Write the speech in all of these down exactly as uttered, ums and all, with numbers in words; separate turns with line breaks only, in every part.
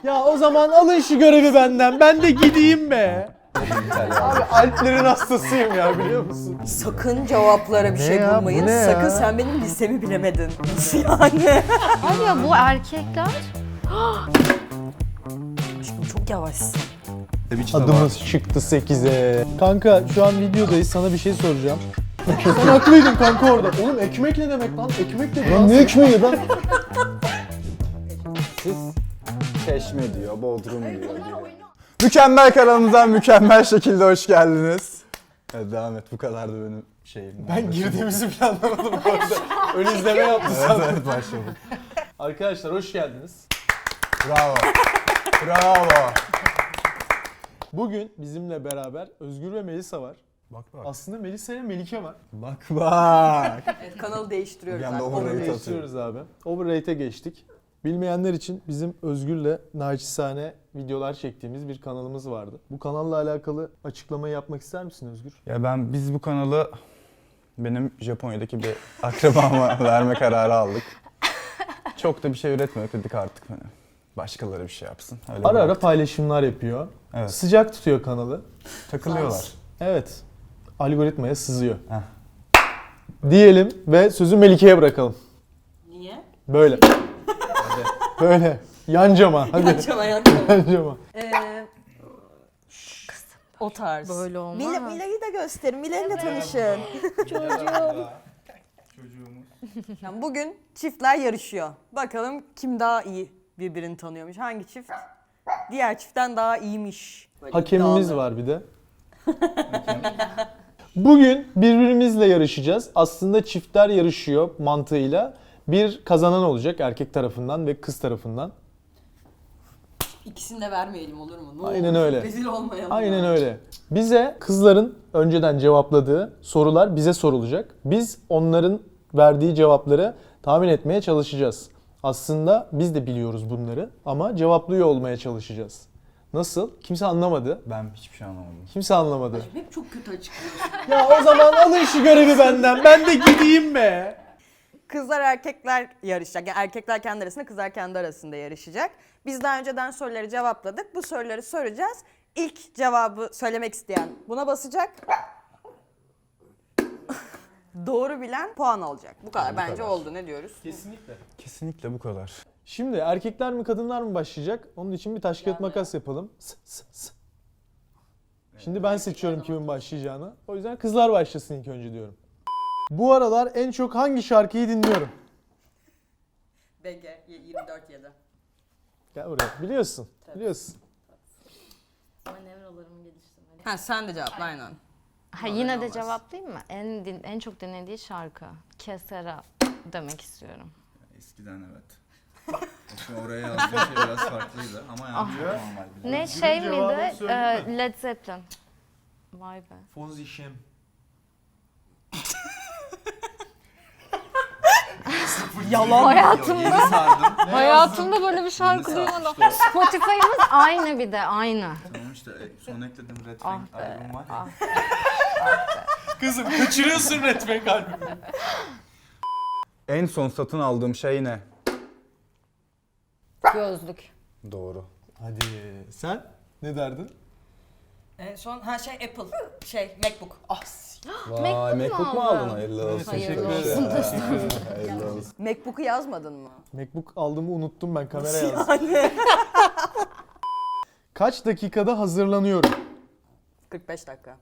Ya o zaman alın şu görevi benden. Ben de gideyim be. Abi Alplerin hastasıyım ya, biliyor musun?
Sakın cevaplara bir
Ne
şey
ya, bu
bulmayın.
ne
Sakın
ya?
sen benim listemi bilemedin. Yani.
Abi ya bu erkekler
Aşkım çok yavaşsın.
Adımız çıktı sekize. Kanka şu an videodayız, sana bir şey soracağım. Sen haklıydın kanka orada. Oğlum ekmek ne demek lan? Ekmek ne? Lan ne ekmeği lan?
Siz Çeşme diyor, Bodrum diyor. diyor. Mükemmel kanalımıza mükemmel şekilde hoş geldiniz. Evet, devam et, bu kadardı benim şeyim.
Ben girdiğimizi planlamadım bu arada. Ön izleme yaptı
Evet,
sandım.
evet, başladık.
Arkadaşlar hoş geldiniz.
Bravo. Bravo.
Bugün bizimle beraber Özgür ve Melisa var.
Bak bak.
Aslında Melisa ile Melike var.
Bak bak.
Evet, kanalı değiştiriyoruz.
Bir anda
artık.
overrated.
Onu değiştiriyoruz abi. Overrate'e geçtik. Bilmeyenler için bizim Özgür'le naçizane videolar çektiğimiz bir kanalımız vardı. Bu kanalla alakalı açıklamayı yapmak ister misin Özgür?
Ya ben, biz bu kanalı benim Japonya'daki bir akrabama verme kararı aldık. Çok da bir şey üretmiyor dedik artık hani. Başkaları bir şey yapsın. Öyle
Ara ara
bıraktık.
paylaşımlar yapıyor.
Evet.
Sıcak tutuyor kanalı.
Takılıyorlar.
Evet. Algoritmaya sızıyor.
Heh.
Diyelim ve sözü Melike'ye bırakalım.
Niye?
Böyle. Böyle. Yan cama. Hadi.
Yanacağım hayatım.
Yan cama.
Ee, o tarz.
böyle olmaz.
Mila, Mila'yı da gösterin. Mila'yla tanışın.
Çocuğumuz.
Yani bugün çiftler yarışıyor. Bakalım kim daha iyi birbirini tanıyormuş. Hangi çift diğer çiftten daha iyiymiş. Böyle
Hakemimiz
iddialı.
var bir de. Bugün birbirimizle yarışacağız. Aslında çiftler yarışıyor mantığıyla. Bir kazanan olacak erkek tarafından ve kız tarafından.
İkisini de vermeyelim olur mu? Ne
Aynen
olur?
öyle.
Rezil olmayalım.
Aynen
ya.
öyle. Bize kızların önceden cevapladığı sorular bize sorulacak. Biz onların verdiği cevapları tahmin etmeye çalışacağız. Aslında biz de biliyoruz bunları ama cevaplıyor olmaya çalışacağız. Nasıl? Kimse anlamadı.
Ben hiçbir şey anlamadım.
Kimse anlamadı.
Hep çok kötü açıklıyorsun.
Ya o zaman alın şu görevi benden. Ben de gideyim be.
Kızlar erkekler yarışacak. Yani erkekler kendi arasında, kızlar kendi arasında yarışacak. Biz daha önceden soruları cevapladık. Bu soruları soracağız. İlk cevabı söylemek isteyen buna basacak. Doğru bilen puan alacak. Bu kadar
bu
bence
kadar.
oldu. Ne diyoruz?
Kesinlikle.
Kesinlikle bu kadar.
Şimdi erkekler mi kadınlar mı başlayacak? Onun için bir taş kağıt makas yapalım. S, s, s. Şimdi ben seçiyorum kimin başlayacağını. O yüzden kızlar başlasın ilk önce diyorum. Bu aralar en çok hangi şarkıyı dinliyorum?
B G yirmi dört yedi.
Gel buraya. Biliyorsun. Biliyorsun.
manevralarımı geliştirmeliyim.
Ha sen de cevapla aynen.
Ha yine de cevaplayayım mı? En din, en çok dinlediği şarkı Kesera demek istiyorum.
Eskiden evet. Şimdi oraya yazdığım şey biraz farklıydı ama yani çok normal. bir
Ne
Özgür'ün
şey
cevabını
miydi?
söyleyeyim
Ee, Led Zeppelin. Vay be.
Fonzi Şem.
Yalan.
Hayatımda,
sardım.
hayatımda böyle bir şarkı
Yeni
duymadım.
sarmıştı o.
Spotify'ımız aynı bir de aynı.
Tamam işte son ekledim Red
Ah
Fang
be,
albüm var ya.
ah.
Kızım kaçırıyorsun Redman kalbimi.
En son satın aldığım şey ne?
Gözlük.
Doğru.
Hadi sen ne derdin?
En son ha şey Apple şey MacBook. Ah.
Vay
MacBook
MacBook
mu
mu
aldın?
aldın? Hayırlı olsun.
Hayırlı
Çok
olsun.
güzel. Hayırlı olsun.
MacBook'u yazmadın mı?
Macbook aldığımı unuttum ben, kamera yazdım. Kaç dakikada hazırlanıyorum?
kırk beş dakika.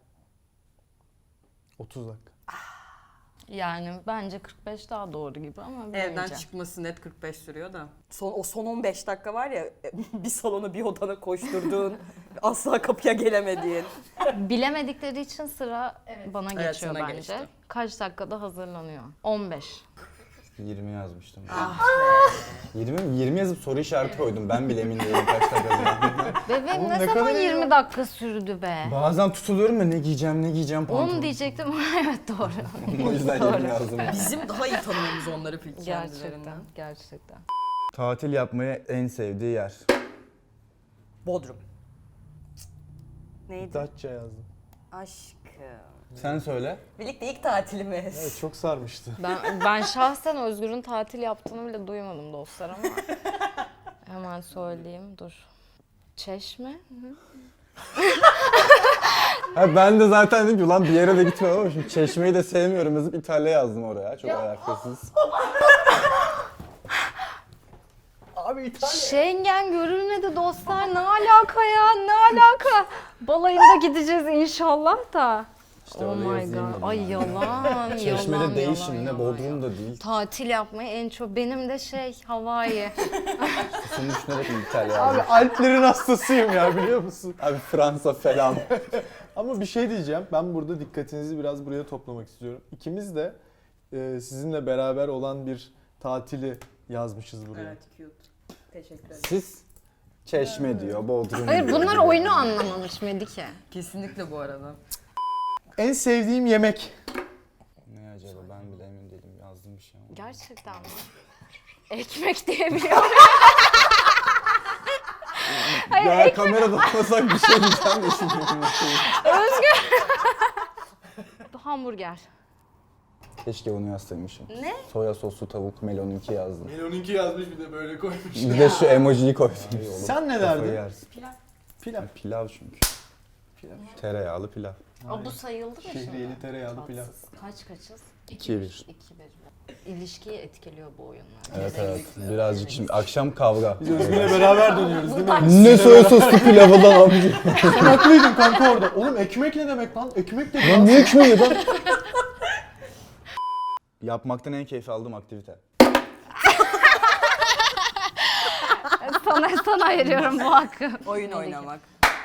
otuz dakika.
Yani bence kırk beş daha doğru gibi ama
Evden
bilemeyeceğim.
çıkması net kırk beş sürüyor da. Son, o son on beş dakika var ya bir salona bir odana koşturduğun asla kapıya gelemediğin.
Bilemedikleri için sıra bana
Evet,
geçiyor
sana
bence.
geçti.
Kaç dakikada hazırlanıyor? on beş.
yirmi yazmıştım.
Ah
yirmi, yirmi yazıp soru işareti koydum. Ben bile emin değilim kaç dakika yazdığımı.
Bebeğim
Oğlum
ne,
ne
zaman
kadar iyi
yirmi
ya.
dakika sürdü be?
Bazen tutuluyorum ya ne giyeceğim ne giyeceğim pantolon.
on diyecektim ama evet doğru.
O yüzden
Doğru.
yirmi yazdım.
bizim daha iyi tanıyoruz onları peki
Gerçekten,
kendilerinden.
gerçekten.
Tatil yapmayı en sevdiği yer.
Bodrum. Neydi?
Datça yazdım.
Aşkım.
Sen söyle.
Birlikte ilk tatilimiz.
Evet, çok sarmıştı.
Ben ben şahsen Özgür'ün tatil yaptığını bile duymadım dostlar ama Hemen söyleyeyim, dur. Çeşme.
Ha, ben de zaten dedim ki ulan bir yere de gitmem ama şimdi Çeşme'yi de sevmiyorum yazıp İtalya yazdım oraya. Çok alakasız.
Abi İtalya.
Schengen görülmedi dostlar. Ne alaka ya? Ne alaka? Balayında gideceğiz inşallah da.
İşte
Oh
oraya
my
yazayım
god.
dedim
Ay
ben.
yalan.
Çeşme'de
yalan,
değil
yalan,
şimdi ne
yalan,
Bodrum
yalan.
da değil.
Tatil yapmayı en çok. Benim de şey Hawaii.
Senin düşünerek mi İtalya
Abi
yazdım?
Alplerin hastasıyım ya biliyor musun?
Abi Fransa falan.
Ama bir şey diyeceğim. Ben burada dikkatinizi biraz buraya toplamak istiyorum. İkimiz de e, sizinle beraber olan bir tatili yazmışız buraya.
Evet, cute. Teşekkür ederim.
Siz Çeşme diyor, Bodrum
Hayır
diyor.
bunlar oyunu anlamamış Melike.
Kesinlikle bu arada.
En sevdiğim yemek.
Ne acaba ben bile emin değilim yazdım bir şey ama.
Gerçekten mi? Ekmek diyebiliyorum. Hayır,
Ya
ekmek.
kamerada olmasak bir şey diyeceğim de şimdi.
Özgür. Hamburger.
Keşke onu yazsaymışım.
Ne?
Soya soslu tavuk melonunki yazdım.
Melon'unki yazmış bir de böyle koymuş.
Bir de şu emojiyi koydum.
Sen ne
Kafayı
derdin?
yersin.
Pilav.
Ya pilav çünkü. Tereyağlı pilav.
Aa, bu sayıldı mı şimdi?
Şehriyeli tereyağlı pilav.
Kaç kaçız?
İki bir.
İki bir. İlişkiyi etkiliyor bu oyunlar.
Evet evet. Birazcık şimdi akşam kavga.
Biz Özgür'le beraber dönüyoruz değil mi?
Ne soya soslu pilavı lan amca?
Sen haklıydın kanka orada. Oğlum ekmek ne demek lan? Ekmek de
Lan ne ekmeği lan? Yapmaktan en keyif aldığım aktivite.
sana, sana veriyorum bu hakkı.
Oyun oynamak.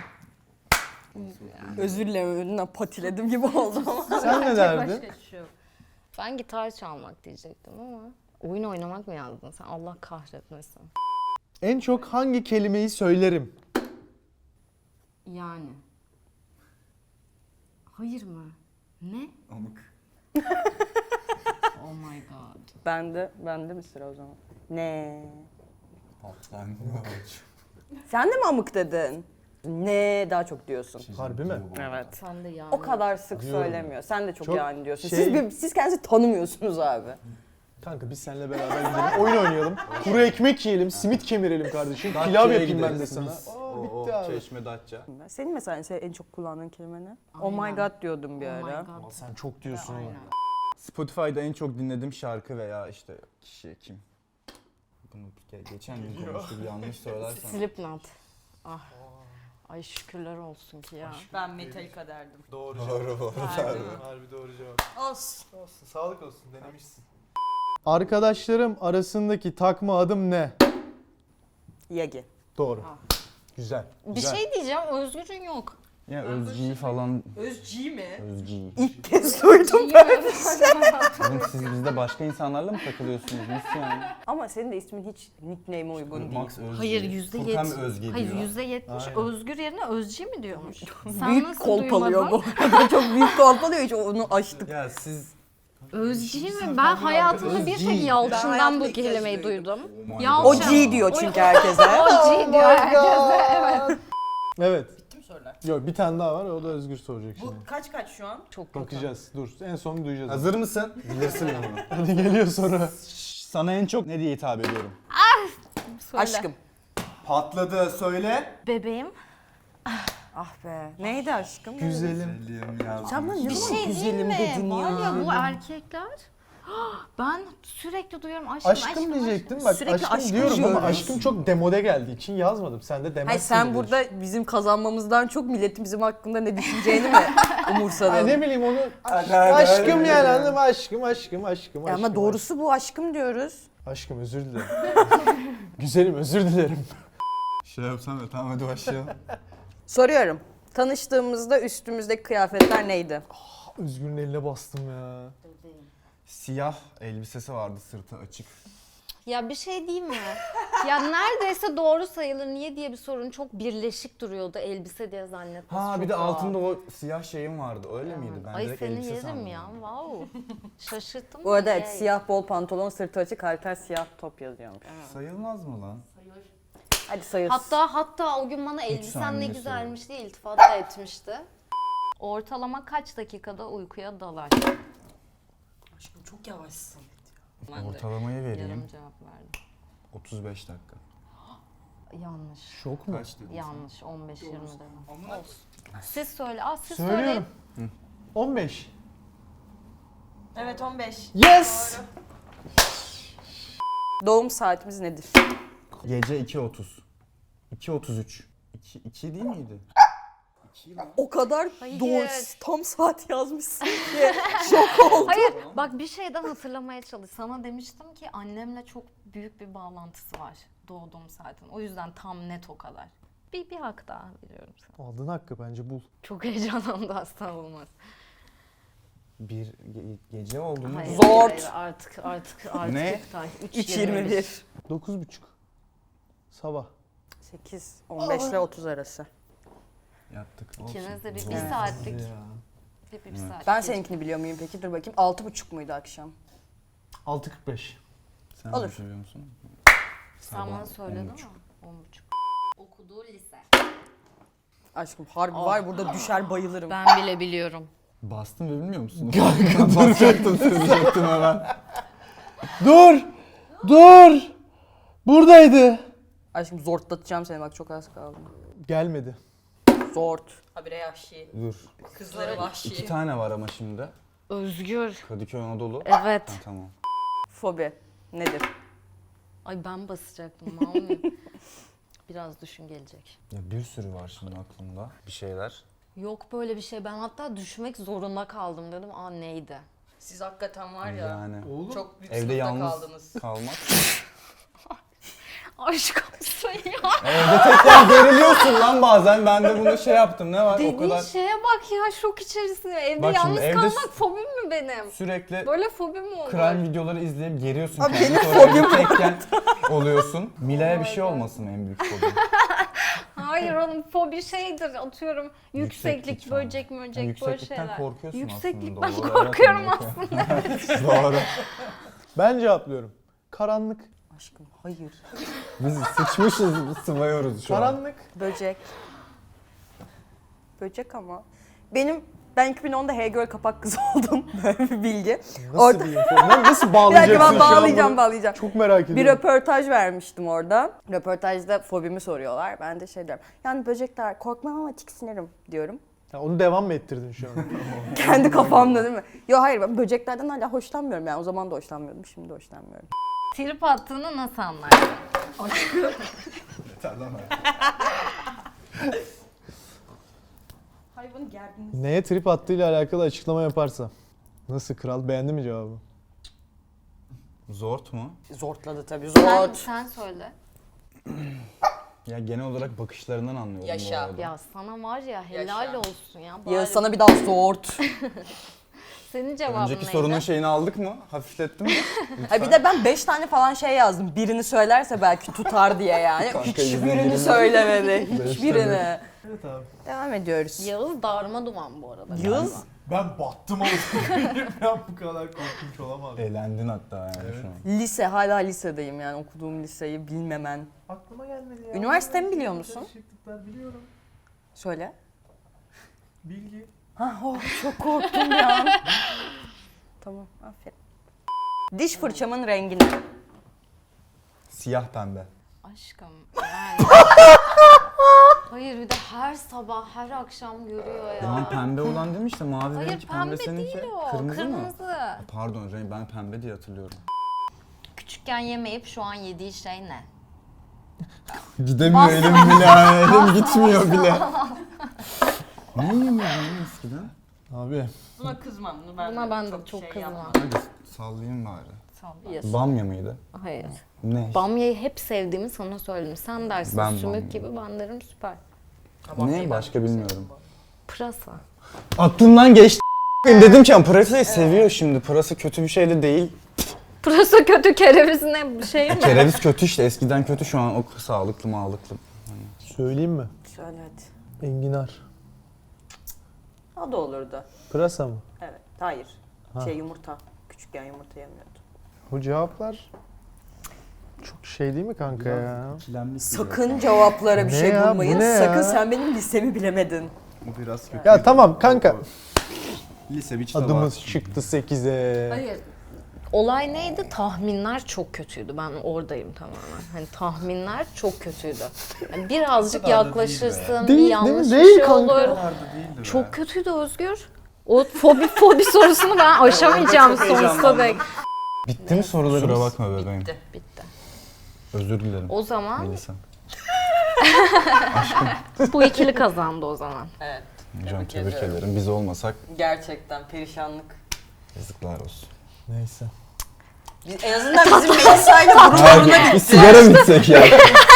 Özür dilerim, önünden patiledim gibi oldu ama.
Sen ne derdin?
Başka bir şey yok. Ben gitar çalmak diyecektim ama oyun oynamak mı yazdın sen? Allah kahretmesin.
En çok hangi kelimeyi söylerim?
Yani. Hayır mı? Ne?
Amık.
Oh my god.
Bende, bende mi sıra o zaman? Ne?
Alttan
Sen de mi amık dedin? Ne daha çok diyorsun.
Harbi mi?
Evet.
Sen de yani.
O kadar sık
Diyorum.
söylemiyor. Sen de çok,
Çok
yani diyorsun.
şey-
Siz bir, siz kendinizi tanımıyorsunuz abi.
Kanka biz seninle beraber gidelim, oyun oynayalım. Kuru ekmek yiyelim, simit kemirelim kardeşim. Pilav yapayım ben de sana. Aa, bitti abi.
Çeşme Datça.
Senin mesela en- en çok kullandığın kelime ne? Oh my
Aynen.
god diyordum bir
Oh my
ara.
god.
Aa, sen çok diyorsun ona.
Aynen.
Spotify'da en çok dinlediğim şarkı veya işte kişi kim? Bunu ge- geçen gün konuştuk yanlış söylersem.
Slipknot. Ah. Ay şükürler olsun ki ya.
Ben Metallica derdim.
Doğru
Doğru doğru.
Harbi doğru cevap.
Olsun.
Olsun, sağlık olsun, denemişsin. Arkadaşlarım arasındaki takma adım ne?
Yagi.
Doğru. Güzel.
Bir
güzel.
şey diyeceğim, Özgür'ün yok.
Ya Özci'yi falan
Özci mi?
Özci'yi.
İlk kez duydum.
Oğlum siz bizde başka insanlarla mı takılıyorsunuz? Nasıl yani?
Ama senin de ismin hiç nickname'e uygun değil.
Max Özci.
Hayır yüzde
Furkan
yetmiş.
Özge
Hayır
diyor.
yüzde yetmiş
Aynen.
Özgür yerine Özci mi diyormuş? Sen
Büyük
nasıl
kolpalıyor
duymadın?
bu arada. Çok büyük kolpalıyor, hiç onu açtık.
Ya siz
Özci mi? Ben hayatımda bir tek Yalçın'dan
hayatımda
bu
ilk kez
kelimeyi
duydum.
duydum.
Oh my
Yalçın.
God.
O G diyor çünkü herkese.
O G diyor herkese. Evet.
Evet.
Bitti mi sorular?
Yok bir tane daha var, o da Özgür soracak şimdi.
Bu kaç kaç şu an?
Çok kötü.
Bakacağız. Dur. En son duyacağız.
Hazır mısın? Bilirsin bunu.
Hadi geliyor soru.
Sana en çok ne diye hitap ediyorum?
Söyle.
Aşkım.
Patladı söyle.
Bebeğim.
Ah be. Neydi aşkım?
Güzelim.
Sen bana ne
Bir
zaman
şey
güzelim
değil mi?
dedin
Var
ya?
ya bu erkekler. Ben sürekli duyuyorum aşkım
Aşkım
aşkım.
diyecektim bak,
Sürekli
aşkım
aşkım
diyorum ama
diyoruz.
aşkım çok demode geldiği için yazmadım. Sen de demezsin
Hayır sen
diye
burada bizim kazanmamızdan çok milletin bizim hakkında ne düşüneceğini mi umursadın?
Ay ne bileyim onu
Hadi, hadi,
aşkım
hadi.
yani anladın mı? Aşkım aşkım aşkım
Ya
aşkım.
ama doğrusu bu, aşkım diyoruz.
Aşkım özür dilerim. Güzelim özür dilerim.
Şey yapsam ya tamam hadi başlayalım.
Soruyorum. Tanıştığımızda üstümüzdeki kıyafetler neydi?
Özgür'ün eline bastım ya.
Siyah elbisesi vardı sırtı açık.
Ya bir şey diyeyim mi? Ya neredeyse doğru sayılır. Niye diye bir sorun, çok birleşik duruyordu elbise diye zannetmesi.
Ha
çok
bir de
doğal.
altında o siyah şeyim vardı öyle miydi? Ben
Ay
direkt
seni
elbise
yerim
sandım.
ya. Wow. Şaşırttım.
Bu arada
beni.
evet, siyah bol pantolon, sırtı açık, halter siyah top yazıyormuş.
Sayılmaz mı lan?
Hadi sayılsın.
Hatta hatta o gün bana elbisen ne
saniye
güzelmiş diye iltifat da etmişti. Ortalama kaç dakikada uykuya dalar?
Aşkım çok yavaşsın.
Ortalamayı vereyim.
Yarım cevap verdim.
otuz beş dakika.
Yanlış.
Şok mu?
Kaç dedin
Yanlış. on beş yirmi dedim.
Ama
Olsun. Siz söyle. Aa, siz
Söylüyorum.
söyleyin.
on beş.
Evet on beş.
Yes!
Doğum saatimiz nedir?
gece iki otuz. iki otuz üç. iki, iki değil miydi?
O kadar
Hayır.
doğru tam saat yazmışsın ki şok oldum.
Hayır, bak bir şeyden hatırlamaya çalış. Sana demiştim ki annemle çok büyük bir bağlantısı var doğduğum saatin. O yüzden tam net o kadar. Bir, bir hak daha veriyorum sana.
Aldın hakkı bence bul.
Çok heyecanlandı asla olmaz.
Bir ge- gece oldu mu?
Hayır,
Zor.
hayır, artık artık artık
Ne?
iptal.
üç yirmi bir.
dokuz buçuk. Sabah.
sekiz on beş ile otuz arası.
Yattık.
İkiniz de bir,
Zor.
bir saatlik.
Ya.
Bir, bir
Evet.
saat.
Ben seninkini biliyor muyum peki? Dur bakayım. altı buçuk muydu akşam?
altı kırk beş.
Sen
Olur.
de biliyor musun?
Sen
Sabah
bana söyledin
on
ama.
buçuk.
on buçuk. Okuduğu lise.
Aşkım harbi var burada düşer bayılırım.
Ben bile biliyorum.
Bastın ve bilmiyor musun? Basacaktım söyleyecektim hemen.
Dur! Dur! Buradaydı.
Aşkım zortlatacağım seni bak çok az kaldı.
Gelmedi.
Zort. Habire yahşi.
Dur.
Kızları
İki
vahşi.
tane var ama şimdi.
Özgür.
Kadıköy Anadolu.
Evet.
Ha, tamam.
Fobi nedir?
Ay ben basacaktım. Mami. Biraz düşün gelecek.
Ya bir sürü var şimdi aklımda. Bir şeyler.
Yok böyle bir şey. Ben hatta düşmek zorunda kaldım dedim. Aa neydi?
Siz hakikaten var ya.
Yani
Çok büyük
evde
sınıfta
yalnız
kaldınız.
kalmak.
Aşk olsun ya.
Evde tekrar geriliyorsun lan bazen. Ben de bunu şey yaptım. Ne var o
Dediğin
kadar
şeye bak ya şok içerisinde. Evde
Bak şimdi
yalnız
evde
kalmak
s-
fobim mi benim?
sürekli
Böyle fobim mi olur?
crime videoları izleyip geriyorsun
Abi
kendini.
benim
Sonra
fobim
evde tekken oluyorsun. Mila'ya bir şey olmasın en büyük fobim.
Hayır onun fobi şeydir atıyorum yükseklik,
Yükseklik falan.
böcek möcek
Yani
böyle
yükseklikten
şeyler.
korkuyorsun
Yükseklik
aslında.
ben
Doğru, evet,
korkuyorum
evet.
aslında.
Doğru.
Ben cevaplıyorum. Karanlık.
Aşkım hayır.
Biz sıçmışız, sıvıyoruz şu an.
Karanlık.
Böcek. Böcek ama. Benim ben iki bin onda H-Girl kapak kızı oldum. Böyle bir bilgi.
Nasıl
Orada-
bir info? Lan Nasıl
Bir
bağlayacaksın
dakika ben
şu an
bağlayacağım
bunu?
bağlayacağım.
Çok merak ediyorum.
Bir röportaj vermiştim orada. Röportajda fobimi soruyorlar. Ben de şey diyorum. Yani böcekler korkmam ama tiksinirim diyorum.
Ya onu devam mı ettirdin şu an?
Kendi kafamda değil mi? Yok hayır ben böceklerden hala hoşlanmıyorum. Yani o zaman da hoşlanmıyordum. Şimdi de hoşlanmıyorum.
Trip attığını nasıl anlarsın?
Hayvanı gerdiniz.
Neye trip attığıyla alakalı açıklama yaparsa. Nasıl kral? Beğendi mi cevabı?
Zort mu?
Zortladı tabii.
Sen,
Zort.
sen söyle.
Ya genel olarak bakışlarından anlıyorum
Yaşa.
bu arada.
Ya sana var ya helal
Yaşa.
olsun ya.
Ya
Bari
sana bir daha zort.
Senin cevabın
Önceki
neydi?
sorunun şeyini aldık mı? Hafiflettin mi?
Ha bir de ben beş tane falan şey yazdım. Birini söylerse belki tutar diye yani.
Kanka,
Hiçbirini
yüzüne
söylemedi.
Beş
Hiçbirini.
Evet abi.
Devam ediyoruz.
Yağız darma duman bu arada.
Yağız.
Ben battım oğlum. Ben bu kadar korkunç olamam.
Eğlendin hatta yani şu an.
Lise, hala lisedeyim yani okuduğum liseyi bilmemen.
Aklıma gelmedi ya.
Üniversitemi biliyor musun?
Şıklıklar biliyorum.
Söyle.
Bilgi.
Ha, oh, çok korktum ya. Tamam, aferin. Diş fırçamın rengi ne?
Siyah pembe.
Aşkım yani. Hayır bir de her sabah her akşam görüyor ya.
Demin pembe olan değil mi işte mavi
Hayır
benimki
pembe,
pembe seninki.
değil o.
Kırmızı, mı?
Kırmızı.
Pardon renk ben pembe diye hatırlıyorum.
Küçükken yemeyip şu an yediği şey ne?
Gidemiyor elim bile yani, elim gitmiyor bile. Ne yemiyordun lan eskiden?
Abi.
Buna kızmam. Bunu ben
Buna ben de çok
şey
kızmam.
Hadi sallayayım bari.
Sallıyorsun.
Bamya mıydı?
Hayır.
Ne?
Bamyayı hep sevdiğimi sana söyledim. Sen dersin
Ben
sümük
bamya.
gibi ben derim süper.
Ne? Başka bilmiyorum.
Pırasa.
Aklımdan geçti. Dedim ki pırasayı seviyor şimdi. Pırasa kötü bir şey de değil.
Pırasa kötü kereviz ne şey mi?
Kereviz kötü işte. Eskiden kötü, şu an o sağlıklı mağlıklı.
Söyleyeyim mi?
Söyle hadi.
Enginar.
O da olurdu.
Pırasa mı?
Evet. Hayır.
Ha.
Şey yumurta. Küçükken yumurta yemiyordum.
Bu cevaplar çok şey değil mi kanka ya?
Sakın cevaplara bir
Ne
şey
ya, bu
bulmayın.
ne ya?
Sakın sen benim lisemi bilemedin.
Bu biraz kötü.
Ya tamam kanka.
Lise bir kitap
Adımız
var.
çıktı sekize.
Hayır. Olay neydi? Tahminler çok kötüydü. Ben oradayım tamamen. Hani tahminler çok kötüydü. Yani birazcık yaklaşırsın,
Değil,
bir
değil
yanlış
mi?
bir
Değil
şey
kanka.
olur. Çok kötüydü Özgür. O fobi fobi sorusunu ben aşamayacağım sonsuza dek.
Bitti mi sorularımız?
Kusura bakma bebeğim.
Bitti.
Özür dilerim.
O zaman
Melisa.
bu ikili kazandı o zaman.
Evet.
Hocam
Tebrik
tebrik
ediyorum.
ederim. Biz olmasak
Gerçekten perişanlık.
yazıklar olsun.
Neyse.
Biz, en azından bizim Melisa'yla burun buruna
Bir
gitti.
sigara mı içsek ya?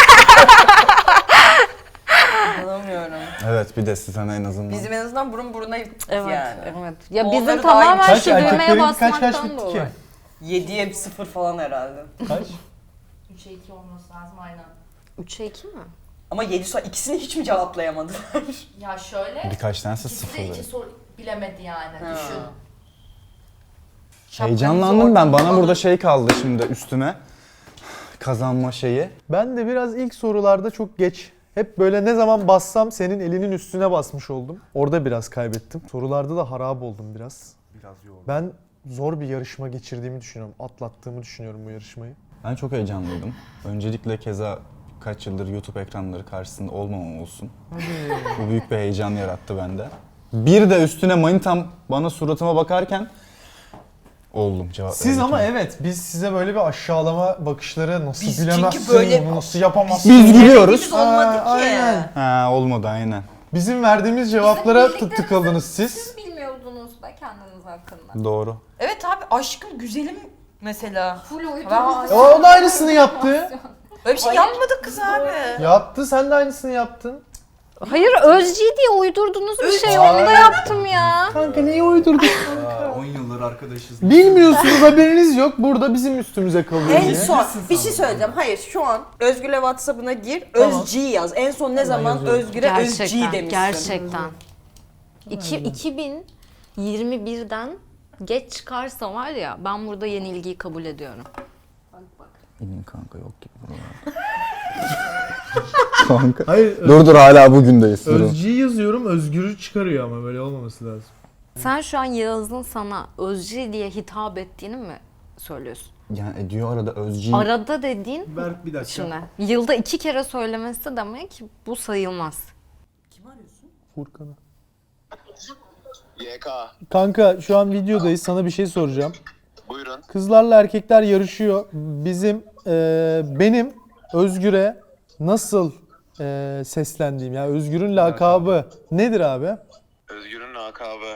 İnanamıyorum.
Evet bir de sana en azından.
Bizim en azından burun buruna gittik
Evet,
yani.
evet. Ya
Onları
bizim
da
tamamen
aynı-
şu düğmeye
erkeklerin kaç kaç
basmaktan
bitti ki?
dolayı.
yediye sıfır falan herhalde.
Kaç?
üçe iki olması lazım aynen.
üçe iki mi?
Ama yedi soru ikisini hiç mi cevaplayamadılar?
Ya şöyle,
Birkaç tanesi
ikisi de
sıfırdı.
iki soru bilemedi yani.
Ha.
Düşün.
Heyecanlandım ben. Bana burada şey kaldı şimdi üstüme. Kazanma şeyi.
Ben de biraz ilk sorularda çok geç. Hep böyle ne zaman bassam senin elinin üstüne basmış oldum. Orada biraz kaybettim. Sorularda da harap oldum biraz.
Biraz yoğun.
Ben zor bir yarışma geçirdiğimi düşünüyorum. Atlattığımı düşünüyorum bu yarışmayı.
Ben çok heyecanlıydım. Öncelikle keza kaç yıldır YouTube ekranları karşısında olmamam olsun. Bu büyük bir heyecan yarattı bende. Bir de üstüne manitam bana suratıma bakarken oldum cevap
Siz ama
verirken.
evet biz size böyle bir aşağılama bakışları nasıl
Biz çünkü
bilemezsin
böyle-
bunu, nasıl yapamazsın.
Biz gülüyoruz.
Biz olmadı
Aa,
ki.
aynen.
Ha olmadı aynen.
Bizim verdiğimiz cevaplara
birlikte-
tık tıkaldınız siz.
Siz bilmiyordunuz be kendiniz hakkında.
Doğru.
Evet abi aşkım güzelim mesela.
Full
Ben-
uydurdunuz.
O da aynısını yaptı.
Öyle bir şey yapmadık kız abi.
Yaptı, sen de aynısını yaptın.
Hayır Özci diye uydurdunuz bir şey onu da yaptım ya.
Kanka neyi uydurdun?
on yıldır arkadaşız.
Bilmiyorsunuz, haberiniz yok. Burada bizim üstümüze kalıyor
En
diye.
son bir şey söyleyeceğim. Hayır şu an Özgür'le WhatsApp'ına gir.
Tamam.
Özg yaz. En son ne zaman
yazıyorum.
Özgür'e Özg
Gerçekten,
demişsin.
gerçekten. İki, iki bin yirmi birden geç çıkarsa var ya ben burada yenilgiyi kabul ediyorum.
İyi kanka yok gibi buralar. Kanka.
Hayır,
Dur dur hala bugündeyiz. Durun.
Özcü'yü yazıyorum, Özgür'ü çıkarıyor ama böyle olmaması lazım.
Sen şu an Yağız'ın sana Özci diye hitap ettiğini mi söylüyorsun?
Yani ediyor arada Özci.
Arada dediğin
Berk bir dakika.
şimdi yılda iki kere söylemesi demek bu sayılmaz.
Kim arıyorsun?
Furkan'ı.
Y K.
Kanka şu an videodayız, sana bir şey soracağım.
Buyurun.
Kızlarla erkekler yarışıyor. Bizim, e, benim Özgür'e nasıl e, seslendiğim, yani Özgür'ün lakabı nedir abi?
Özgür'ün lakabı.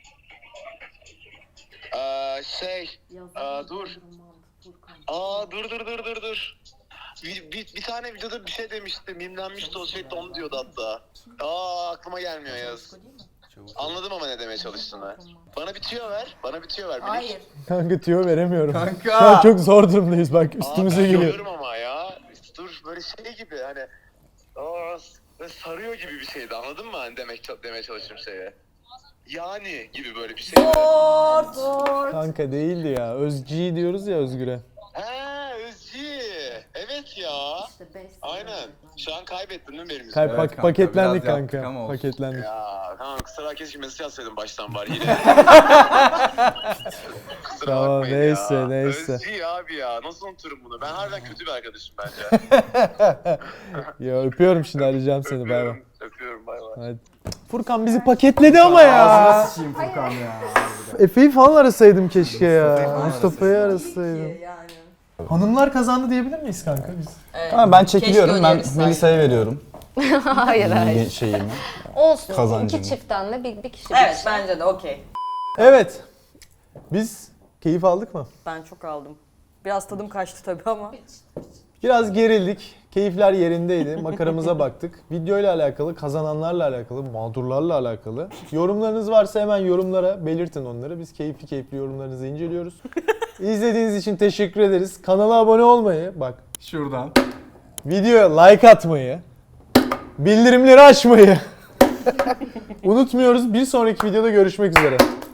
Ee, şey. Aa, dur. Aa dur dur dur dur dur. Bir, bir, bir tane videoda bir şey demişti. Mimlenmişti o şey, onu diyordu hatta. Aa aklıma gelmiyor Yaz. Anladım ama ne demeye çalıştığını. Bana bir tüyo ver. Bana bir tüyo ver. Minik.
Hayır.
Kanka tüyo veremiyorum.
Kanka.
Şu an çok zor durumdayız bak,
Aa,
üstümüze
ben
geliyor.
görüyorum ama ya. Dur böyle şey gibi hani. Aa, böyle sarıyor gibi bir şeydi, anladın mı? Hani demek demeye çalıştığım şeye. Yani gibi böyle bir şey.
Zor.
Kanka değildi ya. Özci diyoruz ya Özgür'e.
He Özci. Evet ya. Aynen. Şu an kaybettin değil mi benim
Kay-
yüzümden?
pak-
kanka,
paketlendik
biraz yaptık
kanka.
ama olsun.
Paketlendik.
Ya tamam, kusura keşke mesaj atsaydım baştan bari yine. Kusura
Tamam,
bakmayın
neyse,
ya.
neyse.
Özci abi ya. Nasıl unuturum bunu? Ben harbiden kötü bir arkadaşım bence.
Ya öpüyorum şimdi, arayacağım seni, bay bay.
Öpüyorum. Öpüyorum bay bay.
Hadi. Furkan bizi paketledi ama ya.
Ağzına sıçayım Furkan ya.
Efe'yi falan arasaydım keşke ya.
falan
Mustafa'yı arasaydım.
Yani.
Hanımlar kazandı diyebilir miyiz kanka biz?
Evet.
Ama ben çekiliyorum.
Keşke
Ben
öneririz
Melisa'ya veriyorum.
hayır hayır.
Bir şeyimi.
Olsun.
Kazancını.
İki çiftten de bir, bir kişi bir
Evet
kişi.
bence de okey.
Evet. Biz keyif aldık mı?
Ben çok aldım. Biraz tadım kaçtı tabii ama.
Biraz gerildik. Keyifler yerindeydi. Makaramıza baktık. Video ile alakalı, kazananlarla alakalı, mağdurlarla alakalı. Yorumlarınız varsa hemen yorumlara belirtin onları. Biz keyifli keyifli yorumlarınızı inceliyoruz. İzlediğiniz için teşekkür ederiz. Kanala abone olmayı, bak
Şuradan.
videoya like atmayı, bildirimleri açmayı unutmuyoruz. Bir sonraki videoda görüşmek üzere.